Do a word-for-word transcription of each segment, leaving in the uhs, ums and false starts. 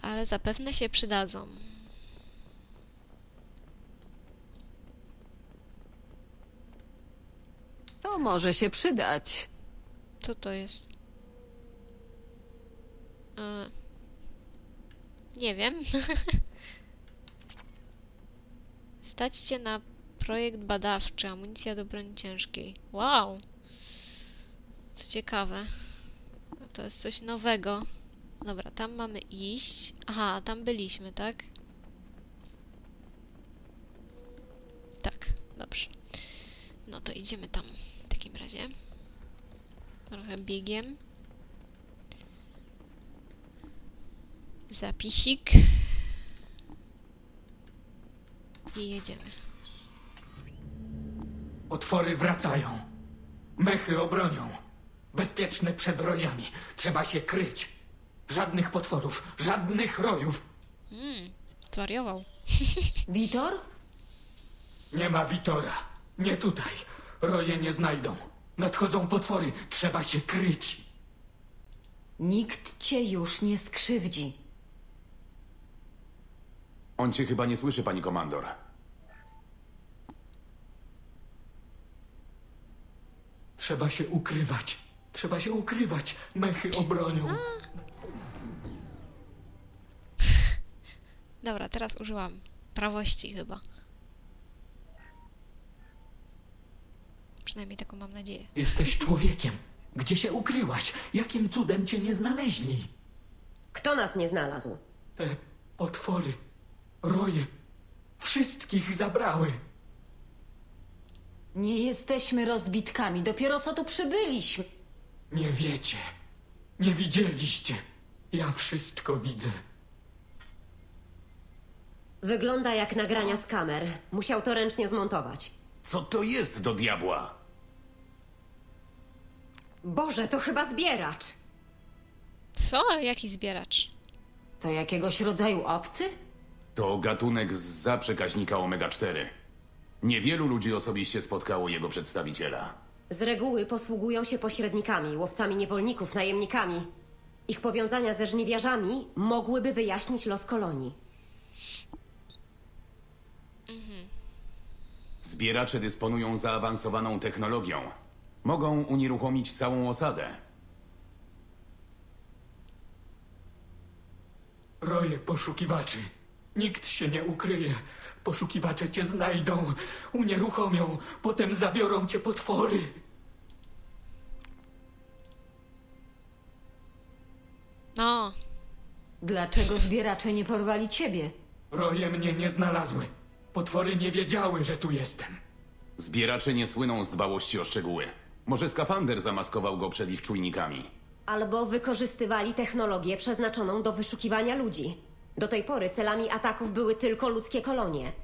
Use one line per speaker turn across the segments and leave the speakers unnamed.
ale zapewne się przydadzą.
To może się przydać.
Co to jest? E, nie wiem. Stać się na projekt badawczy. Amunicja do broni ciężkiej. Wow! Co ciekawe. To jest coś nowego. Dobra, tam mamy iść. Aha, tam byliśmy, tak? Tak, dobrze. No to idziemy tam w takim razie. Trochę biegiem. Zapisik. I jedziemy.
Potwory wracają. Mechy obronią. Bezpieczne przed rojami. Trzeba się kryć. Żadnych potworów, żadnych rojów.
Hmm, zwariował.
Witor?
Nie ma Witora. Nie tutaj. Roje nie znajdą. Nadchodzą potwory. Trzeba się kryć.
Nikt cię już nie skrzywdzi.
On cię chyba nie słyszy, pani komandor.
Trzeba się ukrywać. Trzeba się ukrywać. Mechy obronią.
Dobra, teraz użyłam prawości chyba. Przynajmniej taką mam nadzieję.
Jesteś człowiekiem. Gdzie się ukryłaś? Jakim cudem cię nie znaleźli?
Kto nas nie znalazł?
Te potwory, roje, wszystkich zabrały.
Nie jesteśmy rozbitkami, dopiero co tu przybyliśmy.
Nie wiecie. Nie widzieliście. Ja wszystko widzę.
Wygląda jak nagrania z kamer. Musiał to ręcznie zmontować.
Co to jest do diabła?
Boże, to chyba zbieracz!
Co? Jaki zbieracz?
To jakiegoś rodzaju obcy?
To gatunek zza przekaźnika omega cztery. Niewielu ludzi osobiście spotkało jego przedstawiciela.
Z reguły posługują się pośrednikami, łowcami niewolników, najemnikami. Ich powiązania ze żniwiarzami mogłyby wyjaśnić los kolonii.
Zbieracze dysponują zaawansowaną technologią. Mogą unieruchomić całą osadę.
Roje poszukiwaczy. Nikt się nie ukryje. Poszukiwacze cię znajdą, unieruchomią, potem zabiorą cię potwory.
No,
Dlaczego zbieracze nie porwali ciebie?
Roje mnie nie znalazły. Potwory nie wiedziały, że tu jestem.
Zbieracze nie słyną z dbałości o szczegóły. Może skafander zamaskował go przed ich czujnikami.
Albo wykorzystywali technologię przeznaczoną do wyszukiwania ludzi. Do tej pory celami ataków były tylko ludzkie kolonie.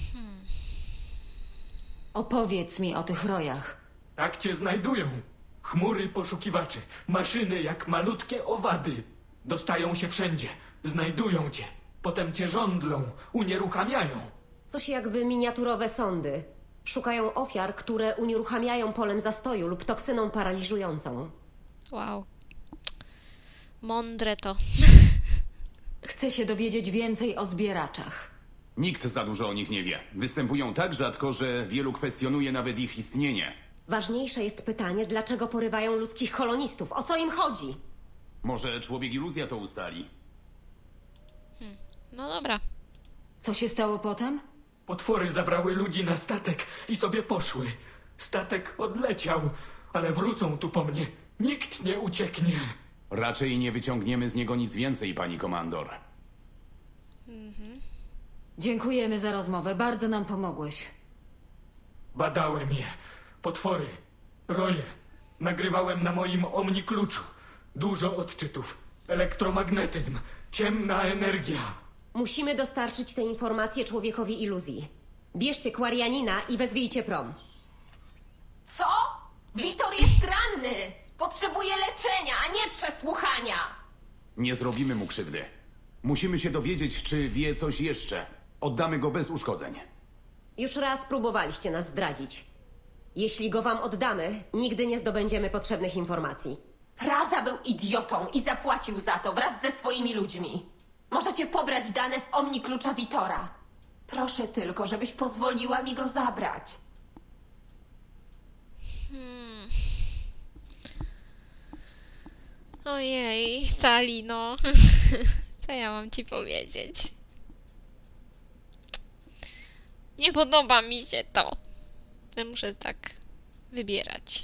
Opowiedz mi o tych rojach.
Tak cię znajdują. Chmury poszukiwaczy, maszyny jak malutkie owady. Dostają się wszędzie, znajdują cię. Potem cię żądlą, unieruchamiają.
Coś jakby miniaturowe sądy. Szukają ofiar, które unieruchamiają polem zastoju lub toksyną paraliżującą.
wow. Mądre to.
Chcę się dowiedzieć więcej o zbieraczach.
Nikt za dużo o nich nie wie. Występują tak rzadko, że wielu kwestionuje nawet ich istnienie.
Ważniejsze jest pytanie, dlaczego porywają ludzkich kolonistów? O co im chodzi?
Może człowiek iluzja to ustali?
No dobra.
Co się stało potem?
Potwory zabrały ludzi na statek i sobie poszły. Statek odleciał, ale wrócą tu po mnie. Nikt nie ucieknie.
Raczej nie wyciągniemy z niego nic więcej, pani komandor.
Dziękujemy za rozmowę, bardzo nam pomogłeś.
Badałem je. Potwory, roje. Nagrywałem na moim omnikluczu. Dużo odczytów. Elektromagnetyzm. Ciemna energia.
Musimy dostarczyć te informacje człowiekowi iluzji. Bierzcie Kwarianina i wezwijcie prom.
Co? Witor jest ranny! Potrzebuje leczenia, a nie przesłuchania!
Nie zrobimy mu krzywdy. Musimy się dowiedzieć, czy wie coś jeszcze. Oddamy go bez uszkodzeń.
Już raz próbowaliście nas zdradzić. Jeśli go wam oddamy, nigdy nie zdobędziemy potrzebnych informacji.
Praza był idiotą i zapłacił za to wraz ze swoimi ludźmi. Możecie pobrać dane z Omni Klucza Vitora. Proszę tylko, żebyś pozwoliła mi go zabrać.
Hmm. Ojej, Tali, no. Co ja mam ci powiedzieć? Nie podoba mi się to. Ja muszę tak wybierać.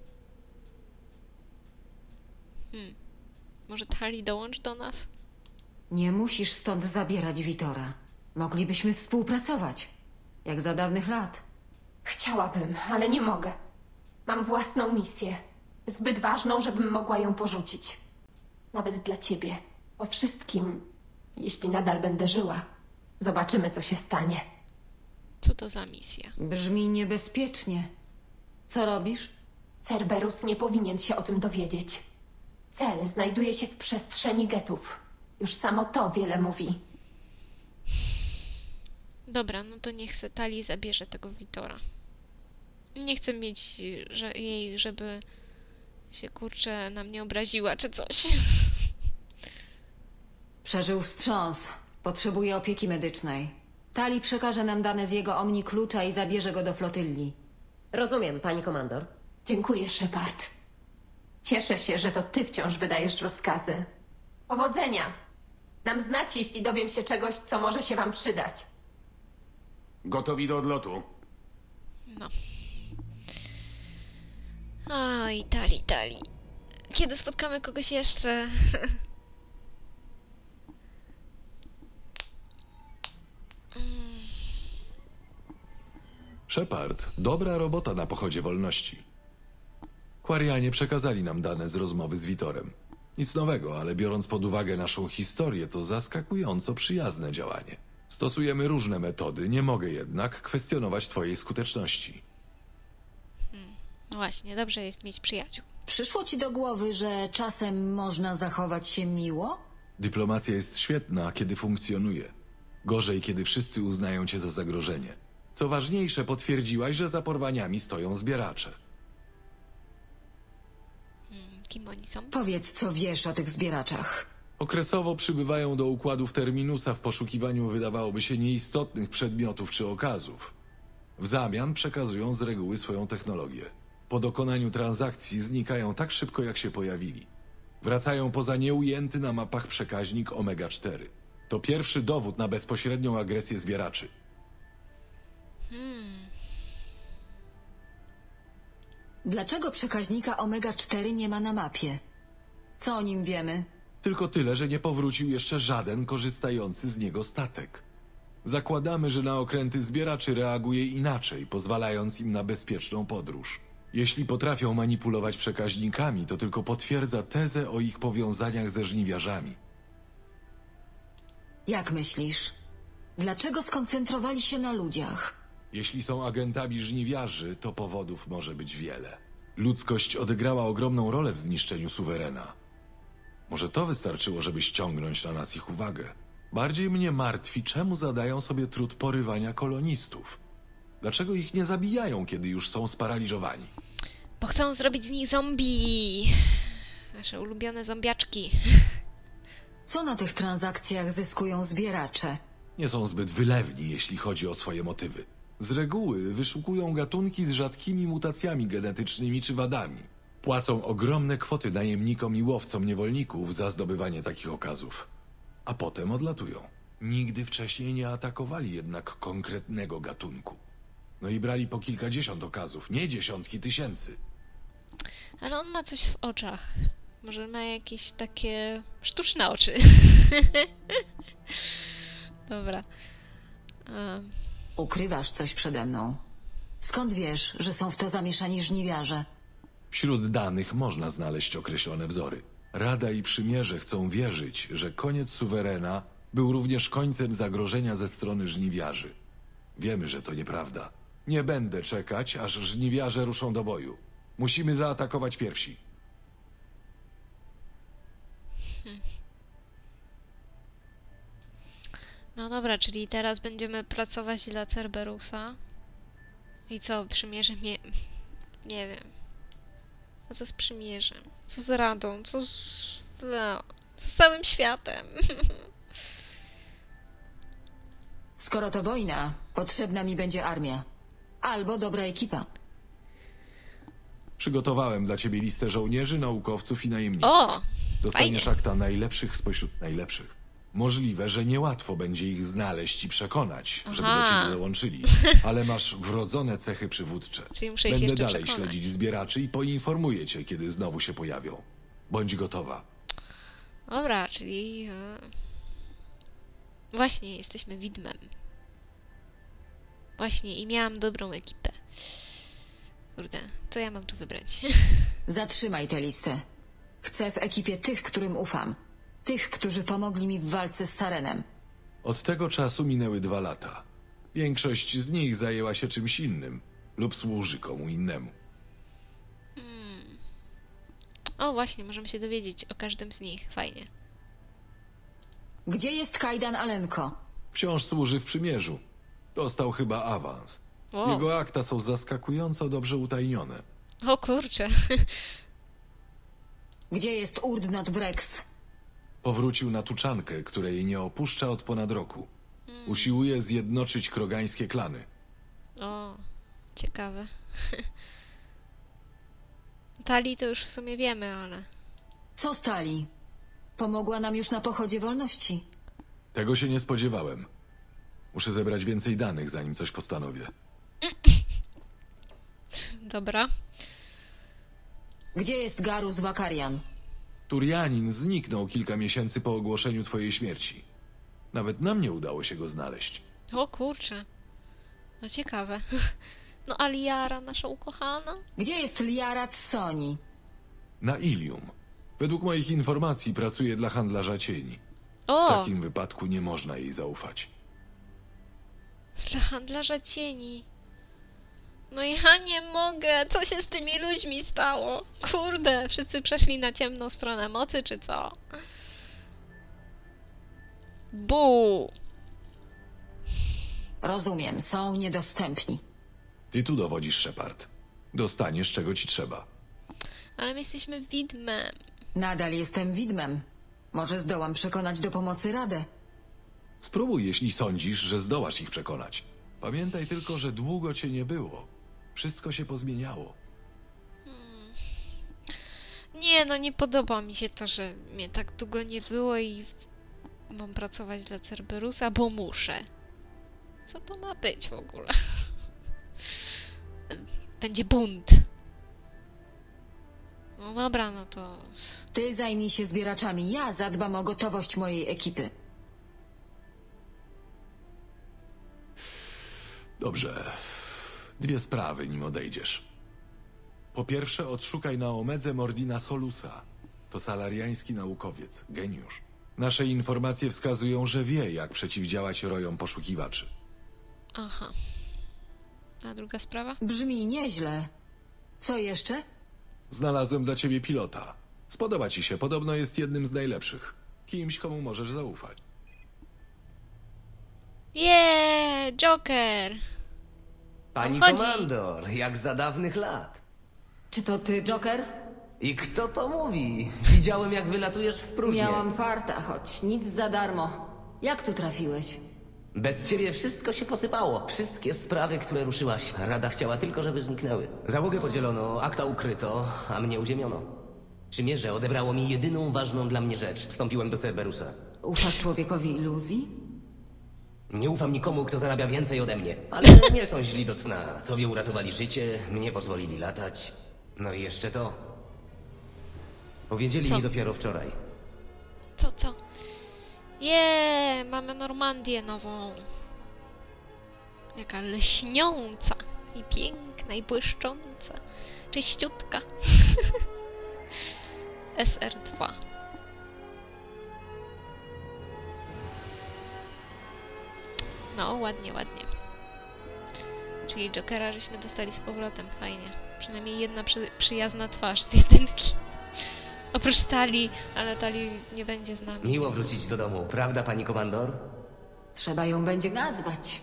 Hmm. Może Tali dołącz do nas?
Nie musisz stąd zabierać Vitora. Moglibyśmy współpracować. Jak za dawnych lat.
Chciałabym, ale nie mogę. Mam własną misję. Zbyt ważną, żebym mogła ją porzucić. Nawet dla ciebie. O wszystkim, jeśli nadal będę żyła. Zobaczymy, co się stanie.
Co to za misja?
Brzmi niebezpiecznie. Co robisz?
Cerberus nie powinien się o tym dowiedzieć. Cel znajduje się w przestrzeni getów. Już samo to wiele mówi.
Dobra, no to niech se Tali zabierze tego Vitora. Nie chcę mieć że, jej, żeby się kurczę na mnie obraziła czy coś.
Przeżył wstrząs. Potrzebuje opieki medycznej. Tali przekaże nam dane z jego Omni Klucza i zabierze go do flotylli.
Rozumiem, pani komandor.
Dziękuję, Shepard. Cieszę się, że to ty wciąż wydajesz rozkazy. Powodzenia! Dam znać, jeśli dowiem się czegoś, co może się wam przydać.
Gotowi do odlotu.
No. Oj, Tali, Tali. Kiedy spotkamy kogoś jeszcze?
Shepard, dobra robota na pochodzie wolności. Quarianie przekazali nam dane z rozmowy z Vitorem. Nic nowego, ale biorąc pod uwagę naszą historię, to zaskakująco przyjazne działanie. Stosujemy różne metody, nie mogę jednak kwestionować twojej skuteczności.
No właśnie, dobrze jest mieć przyjaciół.
Przyszło ci do głowy, że czasem można zachować się miło?
Dyplomacja jest świetna, kiedy funkcjonuje. Gorzej, kiedy wszyscy uznają cię za zagrożenie. Co ważniejsze, potwierdziłaś, że za porwaniami stoją zbieracze.
Hmm, kim oni są?
Powiedz, co wiesz o tych zbieraczach.
Okresowo przybywają do układów Terminusa w poszukiwaniu wydawałoby się nieistotnych przedmiotów czy okazów. W zamian przekazują z reguły swoją technologię. Po dokonaniu transakcji znikają tak szybko, jak się pojawili. Wracają poza nieujęty na mapach przekaźnik Omega cztery. To pierwszy dowód na bezpośrednią agresję zbieraczy.
Hmm.
Dlaczego przekaźnika Omega cztery nie ma na mapie? Co o nim wiemy?
Tylko tyle, że nie powrócił jeszcze żaden korzystający z niego statek. Zakładamy, że na okręty zbieraczy reaguje inaczej, pozwalając im na bezpieczną podróż. Jeśli potrafią manipulować przekaźnikami, to tylko potwierdza tezę o ich powiązaniach ze żniwiarzami.
Jak myślisz? Dlaczego skoncentrowali się na ludziach?
Jeśli są agentami żniwiarzy, to powodów może być wiele. Ludzkość odegrała ogromną rolę w zniszczeniu suwerena. Może to wystarczyło, żeby ściągnąć na nas ich uwagę. Bardziej mnie martwi, czemu zadają sobie trud porywania kolonistów. Dlaczego ich nie zabijają, kiedy już są sparaliżowani?
Bo chcą zrobić z nich zombie. Nasze ulubione zombiaczki.
Co na tych transakcjach zyskują zbieracze?
Nie są zbyt wylewni, jeśli chodzi o swoje motywy. Z reguły wyszukują gatunki z rzadkimi mutacjami genetycznymi czy wadami. Płacą ogromne kwoty najemnikom i łowcom niewolników za zdobywanie takich okazów. A potem odlatują. Nigdy wcześniej nie atakowali jednak konkretnego gatunku. No i brali po kilkadziesiąt okazów, nie dziesiątki tysięcy.
Ale on ma coś w oczach. Może ma jakieś takie sztuczne oczy. Dobra. Um.
Ukrywasz coś przede mną. Skąd wiesz, że są w to zamieszani żniwiarze?
Wśród danych można znaleźć określone wzory. Rada i Przymierze chcą wierzyć, że koniec suwerena był również końcem zagrożenia ze strony żniwiarzy. Wiemy, że to nieprawda. Nie będę czekać, aż żniwiarze ruszą do boju. Musimy zaatakować pierwsi.
Hmm. No dobra, czyli teraz będziemy pracować dla Cerberusa. I co, Przymierze mnie... Nie wiem. A co z Przymierzem? Co z Radą? Co z... No, co z całym światem?
Skoro to wojna, potrzebna mi będzie armia. Albo dobra ekipa.
Przygotowałem dla ciebie listę żołnierzy, naukowców i najemników.
O!
Dostaniesz
fajnie.
akta najlepszych spośród najlepszych. Możliwe, że niełatwo będzie ich znaleźć i przekonać, żeby do
Aha.
ciebie dołączyli, ale masz wrodzone cechy przywódcze.
Czyli muszę ich
Będę
jeszcze
dalej
przekonać.
śledzić zbieraczy i poinformuję cię, kiedy znowu się pojawią. Bądź gotowa.
Dobra, czyli... e, Właśnie, jesteśmy widmem. Właśnie, i miałam dobrą ekipę. Kurde, co ja mam tu wybrać?
Zatrzymaj tę listę. Chcę w ekipie tych, którym ufam. Tych, którzy pomogli mi w walce z Sarenem.
Od tego czasu minęły dwa lata. Większość z nich zajęła się czymś innym lub służy komu innemu.
O, właśnie, możemy się dowiedzieć o każdym z nich. Fajnie.
Gdzie jest Kajdan Alenko?
Wciąż służy w przymierzu. Dostał chyba awans.
Wow.
Jego akta są zaskakująco dobrze utajnione.
O kurczę.
Gdzie jest Urdnot Wrex?
Powrócił na tuczankę, której nie opuszcza od ponad roku. Usiłuje zjednoczyć krogańskie klany.
O, ciekawe. Tali to już w sumie wiemy, ale...
Co stali? Pomogła nam już na pochodzie wolności.
Tego się nie spodziewałem. Muszę zebrać więcej danych, zanim coś postanowię.
Dobra.
Gdzie jest Garus Wakarian?
Turianin zniknął kilka miesięcy po ogłoszeniu twojej śmierci. Nawet nam nie udało się go znaleźć.
O kurczę. No ciekawe. No Aliara, nasza ukochana?
Gdzie jest Liarat Soni?
Na Ilium. Według moich informacji pracuje dla handlarza cieni. W
O!
takim wypadku nie można jej zaufać.
Dla handlarza cieni. No ja nie mogę. Co się z tymi ludźmi stało? Kurde, wszyscy przeszli na ciemną stronę mocy, czy co? Bu!
Rozumiem, są niedostępni.
Ty tu dowodzisz, Shepard. Dostaniesz, czego ci trzeba.
Ale my jesteśmy widmem.
Nadal jestem widmem. Może zdołam przekonać do pomocy Radę.
Spróbuj, jeśli sądzisz, że zdołasz ich przekonać. Pamiętaj tylko, że długo cię nie było. Wszystko się pozmieniało.
Nie, no nie podoba mi się to, że mnie tak długo nie było i mam pracować dla Cerberusa, bo muszę. Co to ma być w ogóle? Będzie bunt. No dobra, no to...
Ty zajmij się zbieraczami, ja zadbam o gotowość mojej ekipy.
Dobrze. Dwie sprawy, nim odejdziesz. Po pierwsze, odszukaj na Omedze Mordina Solusa. To salariański naukowiec, geniusz. Nasze informacje wskazują, że wie, jak przeciwdziałać rojom poszukiwaczy.
Aha. A druga sprawa?
Brzmi nieźle. Co jeszcze?
Znalazłem dla ciebie pilota. Spodoba ci się, podobno jest jednym z najlepszych. Kimś, komu możesz zaufać.
Jeee, Joker!
Pani
Chodzi.
komandor, jak za dawnych lat.
Czy to ty, Joker?
I kto to mówi? Widziałem, jak wylatujesz w próżnię.
Miałam farta, choć nic za darmo. Jak tu trafiłeś?
Bez ciebie wszystko się posypało. Wszystkie sprawy, które ruszyłaś. Rada chciała tylko, żeby zniknęły. Załogę podzielono, akta ukryto, a mnie uziemiono. Przymierze odebrało mi jedyną ważną dla mnie rzecz. Wstąpiłem do Cerberusa.
Ufasz człowiekowi iluzji?
Nie ufam nikomu, kto zarabia więcej ode mnie. Ale nie są źli do cna. Tobie uratowali życie, mnie pozwolili latać. No i jeszcze to. Powiedzieli
Co?
mi dopiero wczoraj.
Co, co? Jeee, mamy Normandię nową. Jaka leśniąca i piękna i błyszcząca. Czyściutka. S R dwa. No, ładnie, ładnie. Czyli Jokera żeśmy dostali z powrotem, fajnie. Przynajmniej jedna przy, przyjazna twarz z jedynki. Oprócz Tali, ale Tali nie będzie z nami.
Miło wrócić do domu, prawda, pani komandor?
Trzeba ją będzie nazwać.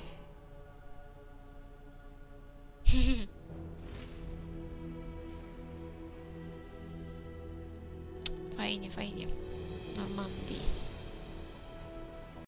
Fajnie, fajnie. Normandii.